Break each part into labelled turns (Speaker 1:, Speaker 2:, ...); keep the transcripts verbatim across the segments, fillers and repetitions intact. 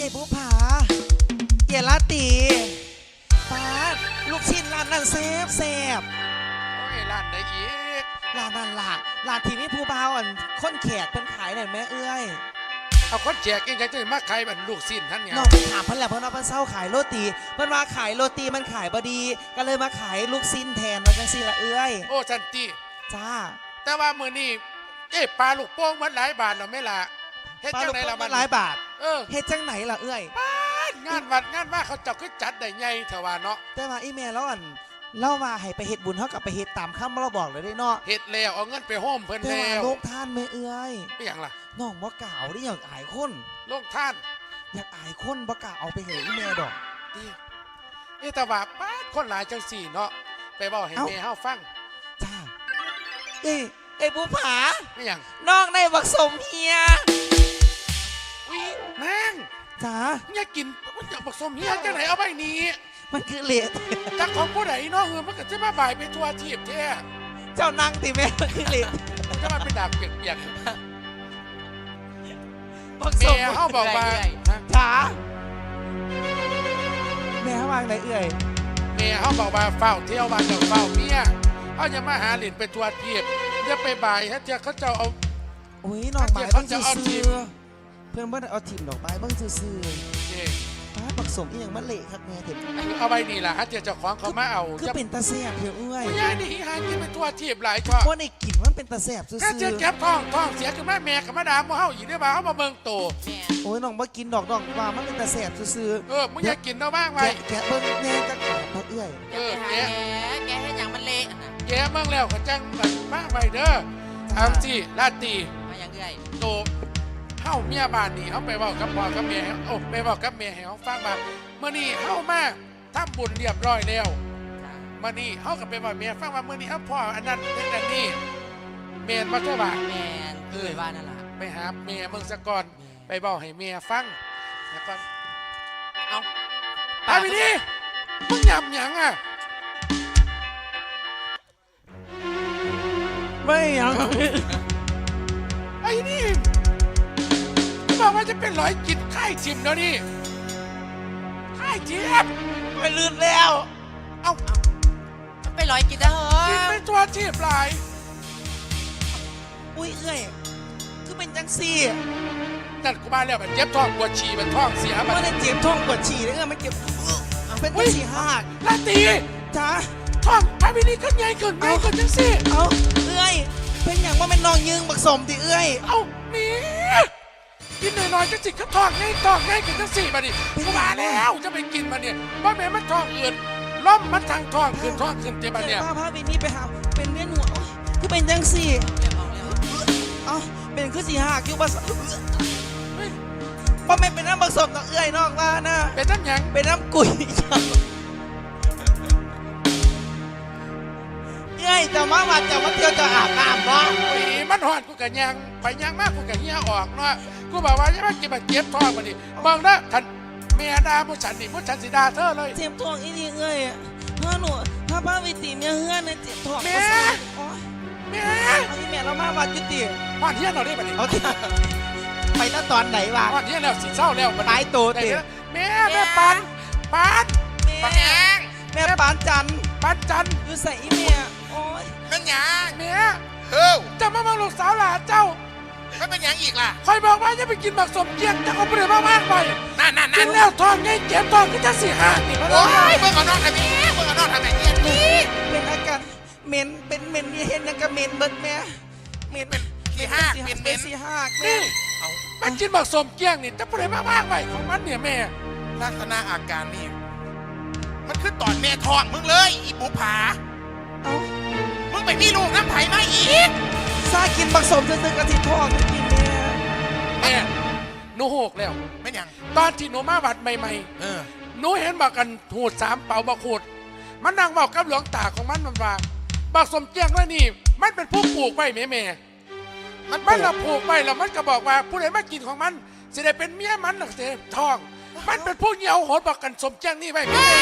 Speaker 1: ย่บุผาเย่ลาตีป้าลูกชิ้นร้านนั้นแซ่บแซ่บ
Speaker 2: โอ้ยร้านไหนอีก
Speaker 1: ร้านนั้นล่ะร้านที่นี่ผู้บ่าวอันคนแขกเป็นขายหน่อยแม่เอ้ย
Speaker 2: เอาคนแจกเองจะมาขายแบบลูกสิ้นท่านเนี่ย
Speaker 1: น้องไปถามเพิ่นแล้วเพิ่นว่าเพิ่นเศร้าขายโรตีเพิ่นมาขายโรตีมันขายบดีก็เลยมาขายลูกชิ้นแทนว่าจังซี่ละเอ้ย
Speaker 2: โอ้สันติ
Speaker 1: จ้า
Speaker 2: แต่ว่ามื้อนี้เอ๊ะปลาลูกโป่งมันหลายบาทหรอไม่ล่ะเฮ็ดจังไหนล่ะมัน
Speaker 1: หลายบาท
Speaker 2: เออ
Speaker 1: เฮ็ดจังไหนล่ะเอ้ย
Speaker 2: งานวัดงานว่าเขาเจ้าคือจัดได้ใหญ่เถอะว่าเนาะ
Speaker 1: แต่ว่าอีแม่แล้วอันเล่ามาให้ไปเฮ็ดบุญเท่ากับไปเฮ็ดตามคำเราบอกเลยได้เนาะ
Speaker 2: เฮ็ดแล้วเอาเงินไปโฮมเพิ่นแล้ว
Speaker 1: แต่ว่าโลกท่านแม่เอ้ย
Speaker 2: เป็นหยังล่ะ
Speaker 1: น้องบ่กล่าวได้อยากอายคน
Speaker 2: โลกท่าน
Speaker 1: อยากอายคนบ่กล่าวเอาไปเหยอีแม่ดอก
Speaker 2: ดิเอ๊ะแต่ว่าป้าคนหลายจังสี่เนาะไปบอกให้แม่เฮาฟัง
Speaker 1: จ้าเอ้เอ้บุผา
Speaker 2: ไม่หยัง
Speaker 1: น้องในบักสมเฮีย
Speaker 2: อุ้ยนาง
Speaker 1: จ้า
Speaker 2: เนี่ยกินมันอยากบักสมเฮียจังไหนเอาไปนี้
Speaker 1: มันคือเละ
Speaker 2: จักของผู้ใดเนาะเออมันก็จะมาบ่ายไปทัวร์ทีบแท้
Speaker 1: เจ้านั่งติแม่มันคือเละ
Speaker 2: จะมาเป็นดาบเปียกๆ
Speaker 1: บักสม
Speaker 2: เฮาบอกว่า
Speaker 1: จ้าแม่วางไหนเอ่ย
Speaker 2: แม่เขาบอกว่าเฝ้าเที่ยววันกับเฝ้าเมียเขาจะมาหาหลินไปทัวร์ทีบจะไปบ่ายฮะเจ้าเขาจะเอา
Speaker 1: โอ้ยน้องหมายเขาจะเอาทีมเพื่อนเพื่อนเอาทีมดอกไม้บ้างซื่อๆป้าปักสมอีอย่างมันเละครับแม่เด็ก
Speaker 2: เอาไปนี่แหละฮะเจ้าเจ้าของเขามาเอา
Speaker 1: ก็เป็นตาแสบเถอะเอ้ย
Speaker 2: ยายนี่หากินไปทัวร์ทีบหลายช่อ
Speaker 1: เพราะในกลิ่นมันเป็นตาแสบซื่อๆ
Speaker 2: ถ้าเจ้าแก็บท้องท้องเสียคือแม่แม่กับแม่ดาโมเฮาอีกได้บ่าเขามาเบิ่งโต
Speaker 1: โอ้ยน้องมากินดอกดอกว่ามันเป็นตาแสบซื่อ
Speaker 2: ๆเออมึงอยากกินเนาะบ้างไว้
Speaker 1: แกะเบิ่งแน่จะขาดเอื้อย
Speaker 2: เออแกะ
Speaker 3: แกะให้อย่างมันเละ
Speaker 2: แกะเบิ่งแล้วก็จังแบบบ้างไว้เด้อเอาสิลาตี
Speaker 3: มาอย่างเอื้อย
Speaker 2: โตเฮาเมียบ้านนี่เฮาไปเว้ากับพ่อกับแม่โอ้ไปเว้ากับแม่ให้เฮาฟังว่ามื้อนี้เฮามาทำบุญเรียบร้อยแล้วมื้อนี้เฮาก็ไปเว้าแม่ฟังว่ามื้อนี้เฮาพ่ออันนั้นเฮ็ดอันนี้แม่นบ่เจ้าบ่า
Speaker 3: แม่นเอ้ยว่านั่นล่ะ
Speaker 2: ไปหาแม่มึงซะก่อนไปเว้าให้แม่ฟังแล้วก่อนเอาตายไปดิมึงหยับหยังอ่ะ
Speaker 1: ไม่หยัง
Speaker 2: ไอ้นี่บอกว่าจะเป็นร้อยกินค่ายจิมแล้วนี่ค่ายจิม
Speaker 1: ไปลื่นแล้ว
Speaker 3: เอาไปร้อยกินได้เหรอ
Speaker 2: กินไปตัวจีบหลาย
Speaker 1: อุ้ยเอ้ยคือเป็นจังซี่
Speaker 2: นั่นกูมาแล้วมันเจ็บท้องปวดฉี่มันท้องเสีย
Speaker 1: มันไม่ได้เจ็บท้องปวดฉี่เลยมันเจ็บเป็นตัวฉี่หัก
Speaker 2: ลาตี
Speaker 1: จ้า
Speaker 2: ท้องพาวินีขึ้นใหญ่ขึ้นใหญ่ขึ้นจังซี่
Speaker 1: เอาเอ้ยเป็นอย่างว่าเป็นนองยืงบักสมที่เอ้ย
Speaker 2: เอามีกินหน่อยๆจะจิกก็ท้องง่ายท้องง่ายขึ้นจังซี่มาดิกูมาแล้วจะไปกินมาเนี่ยว่าแม่มันท้องอื่นล้มมันทางท้องขึ้นท้องขึ้นเจ็บมาเนี่ย
Speaker 1: ป้าพาวินีไปหาเป็นเวียนหัวคือเป็นจังซี่เอาเป็นคือสีหักอยู่บักสมว่าไม่เป็นน้ำบักสมต้องเอ้ยนอกว่านะ
Speaker 2: เป็นน้ำยัง
Speaker 1: เป็นน้ำกุยเอ้ยจะมาว่าจะมาเที่ยวจะอาบน้ำบ่
Speaker 2: โอ้ยมันหอดกูกะยังไปยังมากกูกะเหี้ยออกเนาะกูบอกว่าจะมากินมาเก็บท้องมาดิมองนะท่านเมียดาผู้ฉันดิผู้ฉันสีดาเธอเลย
Speaker 1: เจ็บท้องอีนี่เอ้ยพ่อหนูถ้าป้าวิติเมียเฮือนเนี่ยเจ็บท้อง
Speaker 2: เมียเมีย
Speaker 1: เอาที่แม่เรามาวัดยุติ
Speaker 2: วัดเที่ยงเราได้บัดนี้
Speaker 1: เอาที่ไปตั้งตอนไหนวะ
Speaker 2: วัดเที่ยงแล้วสิเศร้าแล้ว
Speaker 1: ตายโตติ
Speaker 2: เมียแม่ปันปัน
Speaker 1: แม่แม่ปันจัน
Speaker 2: ปันจัน
Speaker 1: อยู่ใส่อีเมียโอ้ย
Speaker 2: เป็นหยังเมียเฮ้ยจะมาบังลูกสาวหลานเจ้า
Speaker 4: เขาเป็นยังอีกล่ะ
Speaker 2: คอยบอกว่าจะไปกินหมักสมเกียงจะเอาไปเลยมากๆไป
Speaker 4: นั่นนั่น
Speaker 2: กินแล้วท้องไงเจ็บท้องก็จะเสียหาย
Speaker 4: โอ้ยเมื่อก่อนนอนทำไมเมื่อก่อนนอนทำไมเนี่ย
Speaker 1: นี่เป็นอาการเหม็นเป็นเหม็นเห็นยังกับเหม็นเบิดแม่เหม็น
Speaker 4: เป็นสี่ห้าเป็นเป็น
Speaker 1: สี่ห้า
Speaker 2: นี่มันกินหมักสมเกียงนี่จะไปเลยมากๆไปของมันเนี่ยแม่
Speaker 4: ลักษณะอาการนี่มันคือตอนแม่ท้องมึงเลยอีบุผามึงไปมีลูกน้ำไผ่มาอีก
Speaker 1: ซากินผสมจะซื้อกระถิ่นทองกินแม่
Speaker 2: แม่หนูหกแล้ว
Speaker 4: ไม่ยัง
Speaker 2: ตอนที่หนูมาวัดใหม่ๆเออหนูเห็นบักกันหูดสามเป่าบักหูดมันนั่งบอกกับหลวงตาของมันมันว่าบักสมเกียงว่านี่มันเป็นผู้ปลูกไว้แม่แม่มันมันเราปลูกไว้แล้วมันก็บอกว่าผู้ใดมากินของมันจะได้เป็นเมียมันหรือจะทองมันเป็นผู้เหี่ยวโหดบักกันสมเกียงนี่ไว้แม่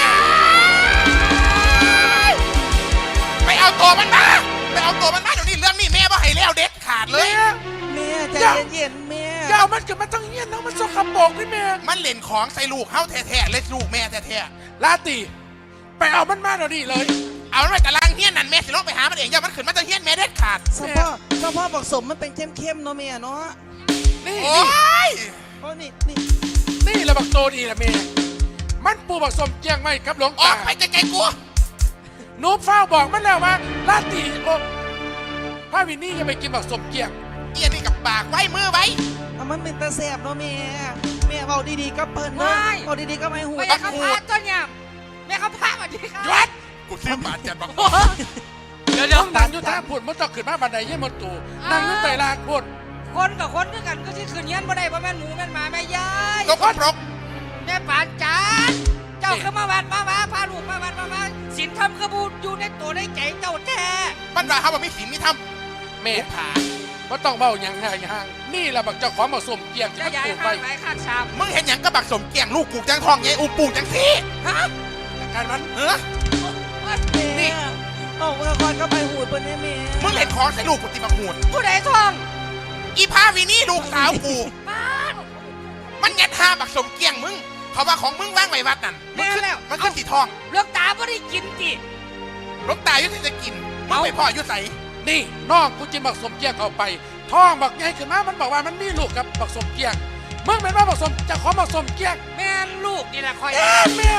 Speaker 4: ไปเอาตัวมันมาไปเอาตัวมันมาเดี๋ยวนี้เรื่องนี้แม่ว่าให้แล้วเด็ดขาดเลย
Speaker 1: แม่ใจเย็นๆแม่
Speaker 2: อย่าเอามันเกิดมันต้องเหี้ยนนะมันสกปรกนี่แม่
Speaker 4: มันเล่นของใส่ลูกเฮาแท้ๆเลยลูกแม่แท้
Speaker 2: ลาตีไปเอามันมาเดี๋ยวนี้เลย
Speaker 4: ๆเอามันไปตารางเฮี้ยนนั่นแม่สิลงไปหามันเองอย่ามันขึ้นมาจะเฮี้ยนแม่เด็ดขาด
Speaker 1: สะพ่อสะพ่อบักสมมันเป็นเข้มๆเนาะแม่เนาะ
Speaker 2: นี่
Speaker 4: โอ้
Speaker 2: นี่
Speaker 4: ย
Speaker 1: โอ้นี่นี่
Speaker 2: นี่แหละบักโตดีละแม่มันปูบักสมเจียงไว้กับหลวง
Speaker 4: ออ
Speaker 2: ตาก
Speaker 4: ไปไกลๆกู
Speaker 2: หนูเฝ้าบอกมันแล้วว่าลาตีโอ้พระวินนี่จะไปกินบักสมเจียง
Speaker 4: เอียนี่กับปากไว้มือไว้
Speaker 1: เอามันเป็นตาแสบเนาะแม่แม่เบาดีๆก็เปิ้นเนาะเบาดีๆก็ไม่หู
Speaker 3: ไม่อยากเขาพาต้นยำแม่เขาพามาดีค่ะ
Speaker 2: หยุด
Speaker 4: กูซื้อปาดจัดบัก
Speaker 3: เดี๋ยวเดี๋ยว
Speaker 2: ต้องนั่งอยู่ท่าพูดมันต้องขึ้นมาบันไดเยี่ยมตูนั่งอยู่ใต้ลานพูด
Speaker 3: คนกับคนคือกันก็ที่คืนเงี้ยบ่ได้บ่แม่นหมูแม่นหมาแม่ยาย
Speaker 4: ก็พรก
Speaker 3: แม่ปานจานเจ้าคือมาวัดมาว่าพาลูกมาวัดมาว่าศีลธรรมคือบูอยู่ในตัวในใจเจ้าแท้
Speaker 4: มันว่าเขาบอกมีศีลมีธรรม
Speaker 2: แม่
Speaker 4: กูผา
Speaker 2: ว่าต้องเบาอย่างห่างห่างนี่แหละบักเจ้าของบักสมเจียงจะ
Speaker 3: จะ
Speaker 2: มัน
Speaker 3: ย้าย
Speaker 2: ปลูกไป
Speaker 3: ข้างไหนข้างชาม
Speaker 4: มึงเห็นหยังก็บักสมเกี่ยงลูกกูจังทองไงอูปูจังซี่
Speaker 3: ฮะ
Speaker 2: การมัน
Speaker 4: เออ
Speaker 1: แม่เอาเมื่อก่อนก็ไปหูดเปิ้นให้แม่
Speaker 4: มึงเล่นของใส่ลูกกูตีบักหูด
Speaker 3: ผู้ใดท่อง
Speaker 4: อีพาวินี่ลูกสาวกู
Speaker 3: บ้าน
Speaker 4: มันยัดหาบักสมเกี่ยงมึงเขาว่าของมึงว่างไว้วัดนั่นมันขึ้นมันขึ้นสีทอง
Speaker 3: เลือกตาบ่ได้กินติ
Speaker 4: ลบตายุติจะกินมึงไปพ่อยุใส
Speaker 2: นี่น้องกูจินบักสมเจียงเข้าไปท้องบักใหญ่ขึ้นมามันบอกว่ามันมีลูกกับบักสมเจียงมึงเป็นว่าบักสมเจะของบักสมเจียง
Speaker 3: แม่นลูกนี่แหละคอย
Speaker 2: เอ๊ะแม่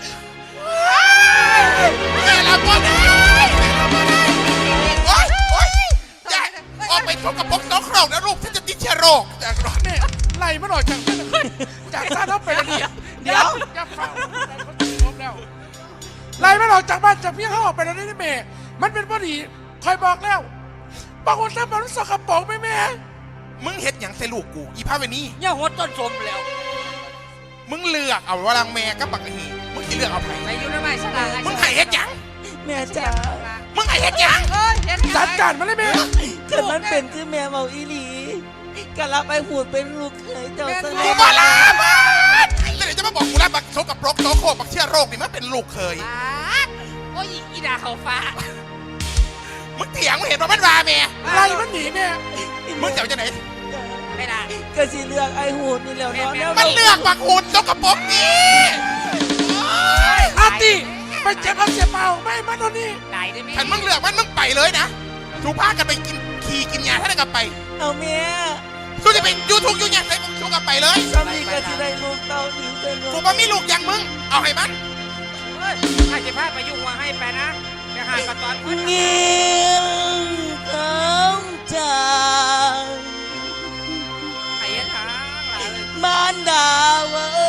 Speaker 4: แม่ละบ่ได้โอ๊ยโอ๊ยอย่าออกไปชกกับพกน้องครองนะลูกฉันจะติดเชื้อโรคจากรถ
Speaker 2: แม่ไล่มันออกจากจากซาดเอาไปแล้วนี่
Speaker 1: เดี๋ยว
Speaker 2: อย่าเฝ้าเขาจะล้มแล้วไล่มันออกจากบ้านจากเมียเขาออกไปแล้วนี่แม่มันเป็นพอดีคอยบอกแล้วบอกว่าถ้ามันสกปรกไหมแม่
Speaker 4: มึงเห็ดหยังใส่ลูกกูอีพาวินี่
Speaker 3: อย่าหดต้นสมแล้ว
Speaker 4: มึงเลือกเอาวลังแม่กับบักหีมึงสิเลือกเอาไผ
Speaker 3: ไปอยู่ในไม้สลาก
Speaker 4: มึงให้เฮ็ดหยัง
Speaker 1: แม่จ๋า
Speaker 4: มึงให้เฮ็ดหยัง
Speaker 3: เอ้ยเฮ็ด
Speaker 2: จัดการมันเลยแม่
Speaker 1: เกิดมันเป็นคือแม่เบาอีหลีกะรับไปหูดเป็นลูกเคยเจ้าซะ
Speaker 4: กู
Speaker 1: แล้ว
Speaker 4: บ่ลาบ้านแล้วเดี๋ยวจะมาบอกกูแล้วบักโซกับปรกโซโคบักเชื้อโรคนี่มันเป็นลูกเคย
Speaker 3: บาดโอ้ยอีดาเขาฟ้า
Speaker 4: มึงเถียงมึงเห็นว่ามันว่าแม่
Speaker 2: ไล่มันหนีแม่
Speaker 4: มึงจะเอาจะไหน
Speaker 3: ไม่ได้
Speaker 1: ก็สิเลือกไอ้หูดนี่แหล้วเนาะแล้ว
Speaker 4: มันเลือกบักหุ่นโซกับปรกนี่
Speaker 2: อาตีไปเจ็บเอาเสียเปล่าไม่มันตอนนี้
Speaker 3: ได้ได้ไหม
Speaker 4: ฉันมึงเลือกมันมึงไปเลยนะสูพากันไปกินขี่กินยาท่านกันไป
Speaker 1: เอาแม่
Speaker 4: สู้จะเป็นยูทูบยูเนี่ยใส่มึงสู้กันไปเลย
Speaker 1: สามีก็สิได้ลูกเต้าหนีเต้น
Speaker 4: กูว่ามีลูกอย่างมึง เอาให้มัน
Speaker 3: เฮ้ยให้จะพาไปยุ่งว่าให้ไปนะไปหาปะตอนพุ่น
Speaker 1: เงียบของจาง
Speaker 3: ไอ้ยันทางหลายเลย
Speaker 1: บ้านดาวเอ้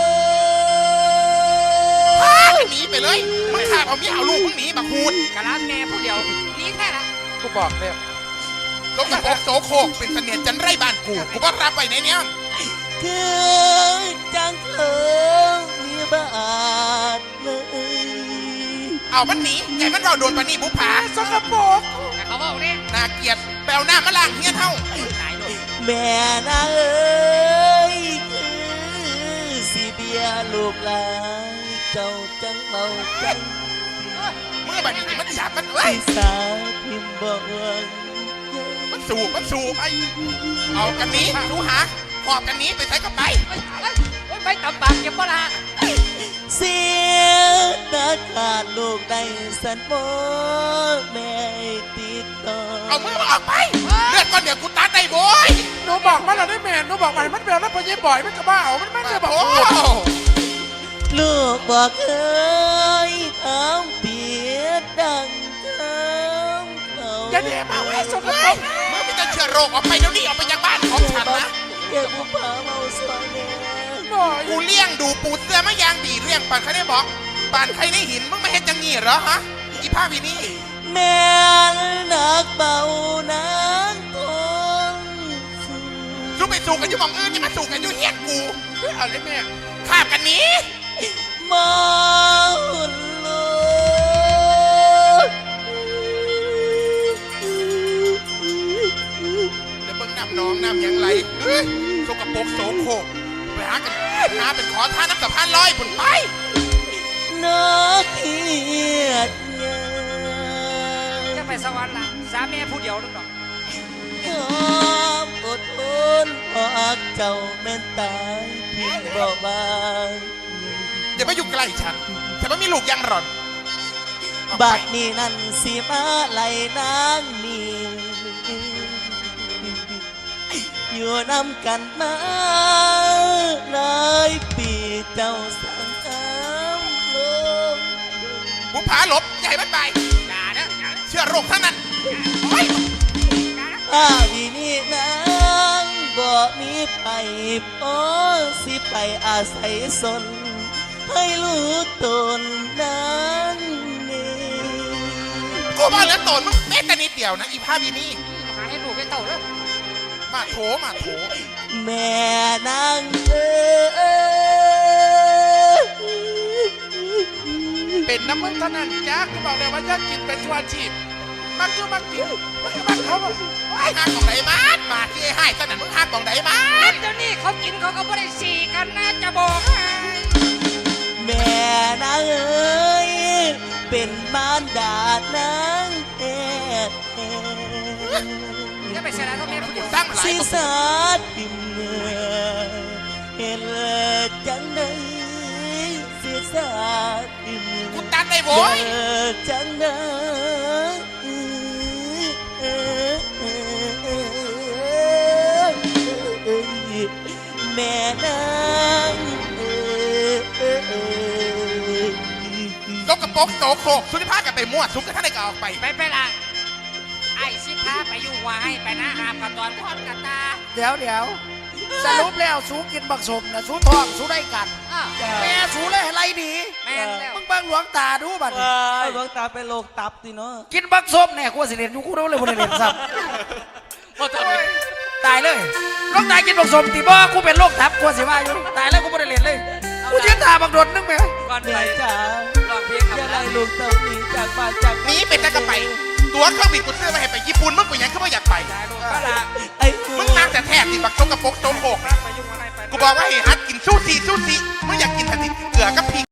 Speaker 4: พาย หนีไปเลย มึงขาดเอาเมียเอาลูกมึงหนีบักหูด
Speaker 3: กะลาแม่ผู้เดียวนี่แค่ละ
Speaker 2: กูบอกแล้ว
Speaker 4: โซกับปรกโซโคกเป็นเสนียดจันไรบ้านกู กูก็รับไปในเนี้ย
Speaker 1: คือจังเถิงมีบาทเลย
Speaker 4: เอามันหนีไงมันเราโดนปานี่บุผา
Speaker 2: สกปรก
Speaker 3: แต่เขาบอกนี่
Speaker 4: น่าเกลียดแปลวหน้ามาล้างเฮียเท่า
Speaker 3: ตายเลย
Speaker 1: แม่นางเอ้ยคือสิเบียลูกหลานเจ้าจังเมาจัง
Speaker 4: เมื่อบัดนี้มันหยาบมันเอ้ย
Speaker 1: พี่สาวพิมพ์บอกว่า
Speaker 4: มันสูบมันสูบไป เอากันหนี้ดูหาหอบกันหนี้ไปใส่กับไป
Speaker 3: เอ้ยเอ้ยเอ้ยไม่ตำปากเก็บบ่ละ
Speaker 1: เสียนาขาดลูกได้สันโมแม่ติดต่อ
Speaker 4: เอามือมาออกไป เลือดก้อนเดี๋ยวกูตัดได้โว้ย
Speaker 2: หนูบอกมันแล้วได้แม่หนูบอกมันมันเป็นแล้วพอเย่บ่อยมันก็บ้าเอามันมันจะบอก
Speaker 4: โอ้
Speaker 2: โอ้
Speaker 1: ลูกบอกเคยคำเปียดดังคำเขา
Speaker 2: อย่าเดี๋ยวมาไว้สกปร
Speaker 4: เฮ้ย
Speaker 2: ก
Speaker 4: เมื่อมีแต่เชื้อโรคออกไปเดี๋ยวนี้ออกไปจากบ้านของฉันนะ
Speaker 1: อย่าผู้พาเมาสวยแน่
Speaker 2: หน่อย
Speaker 4: กูเลี้ยงดูปูเสือมายางดีเลี้ยงปานใครได้บอกปานใครได้หินมึงไม่เห็นจังงี้เหรอฮะอีผ้าวีนี่
Speaker 1: แม่นักเบานักทง
Speaker 4: สู้ไปสู้กันอยู่หมองอื่นนี่มาสู้กันอยู่เฮียนกู
Speaker 2: เอาเลยแม่
Speaker 4: ข้าบกันหนี้
Speaker 1: มอลูก
Speaker 4: เดี๋ยวเบิ่งน้ำน้องน้ำหยังไหลเฮ้ยสกปรกโสโครกไปหากันหาเป็นขอทานน้ำสะพานลอยผุนไป
Speaker 1: นักเกียรติเง
Speaker 3: จะไปสวรรค์ละสามแม่ผู้เดียวนึกดอก
Speaker 1: ยอมออดทนเพราะเจ้าแม่นตายทิ้งบ่บาง
Speaker 4: อย่ามาอยู่ใกล้ฉันฉันไม่มีลูกยังหรอนออก
Speaker 1: บั
Speaker 4: ไป
Speaker 1: ดนี้นั่นสิมาไล่นางนี่อยู่นำกันมาหลายปีเจ้าสังคามโลก
Speaker 4: บุผาหลบอย่าให้มันไป
Speaker 3: อย่าเด้ออย่าเด้อ
Speaker 4: เชื่อโรคทั้งนั้นโอ้ย
Speaker 3: อย่าเด้อ
Speaker 1: ถ้าวินี่นางบ่มีไปพอสิไปอาศัยสน ให้รู้ตนนางนี่
Speaker 4: กูมาเหลือโตนมึงแม้แต่นิดเดียวนะอีภาพอีนี่
Speaker 3: หาให้ลูกให้เต่าเด้อ
Speaker 4: มาโถมาโถ
Speaker 1: แม่นางเอ้ย
Speaker 2: เป็นน้ำมึงเท่านั้นจ้ากูบอกเลยว่าอยากกินเป็นชั่วชีพมักอยู่มักกินมักเขาบอก
Speaker 4: ไอ้ห้างของไหนมาดมาที่ไอ้ห้ายสนั่นมึงห้างของไหนมาด
Speaker 3: เดี๋ยวนี้เขากินเขาก็ไม่ได้สีกันนะจะบอกให้
Speaker 1: แม่นางเอ้ยเป็นมารดานางแท้
Speaker 3: จะไปเสียดายเขาแม่ผู้เดียว
Speaker 4: สร้างมาหลาย
Speaker 1: สิ
Speaker 4: ตัว
Speaker 1: สาทิมเนื้อเห็นจังใดสิสาทิม
Speaker 4: กูตันได้โว้ย
Speaker 1: จังใดแม่นางเอ้ย
Speaker 4: ยกกระโปรงโตโคกสุนิภากันไปมั่วซุกกันท่านใดก็ออกไป
Speaker 3: ไปไปละไอ้สิพาไปอยู่ว่าให้ไปนะหามกับตอนทอดกับตา
Speaker 5: เดี๋ยวเดี๋ยวสรุปแล้วสูกินบักสมนะสูทองสูได้กัน
Speaker 3: อ้าว
Speaker 5: แม่สูเลยอะไรดี
Speaker 3: แม่นแล้ว
Speaker 5: มึงเบิ่งหลวงตาดูบัดนี้
Speaker 1: เอาดวงตาไปโลกตับดิเนาะ
Speaker 5: กินบักสมเนี่ยกูสิเรียนอยู่กูรู้เลยบ่ได้เรียนซ้ำตายเลยหลวงตากินบักสมติบ่กูเป็นโรคทับกูสิว่าอยู่ตายแล้วกูบ่ได้เรียนเลยกูยืนตาบักโดดนึงแม่
Speaker 3: ก่อนไป
Speaker 1: แม่จ๋า
Speaker 3: ลองเพลง
Speaker 1: อย่า
Speaker 3: คำ
Speaker 1: ไล่
Speaker 3: ละ
Speaker 1: ลูกเต้าหนีจากบ้านจาก
Speaker 4: หนีไปแต่ก็ไป ตัวเครื่องบินกูซื้อมาให้ไปญี่ปุ่นมึงกูยังเข้ามาอยากไป
Speaker 3: ได้ลูกก็ละ
Speaker 1: ไอ้
Speaker 4: มึงนางแต่แทบติบักชกกระโปรงโตโคก
Speaker 3: ไปยุ่งอะไรไป
Speaker 4: กูบอกว่าให้ฮัดกินซูชิซูชิมึงอยากกินทันทีเกลือกับพริก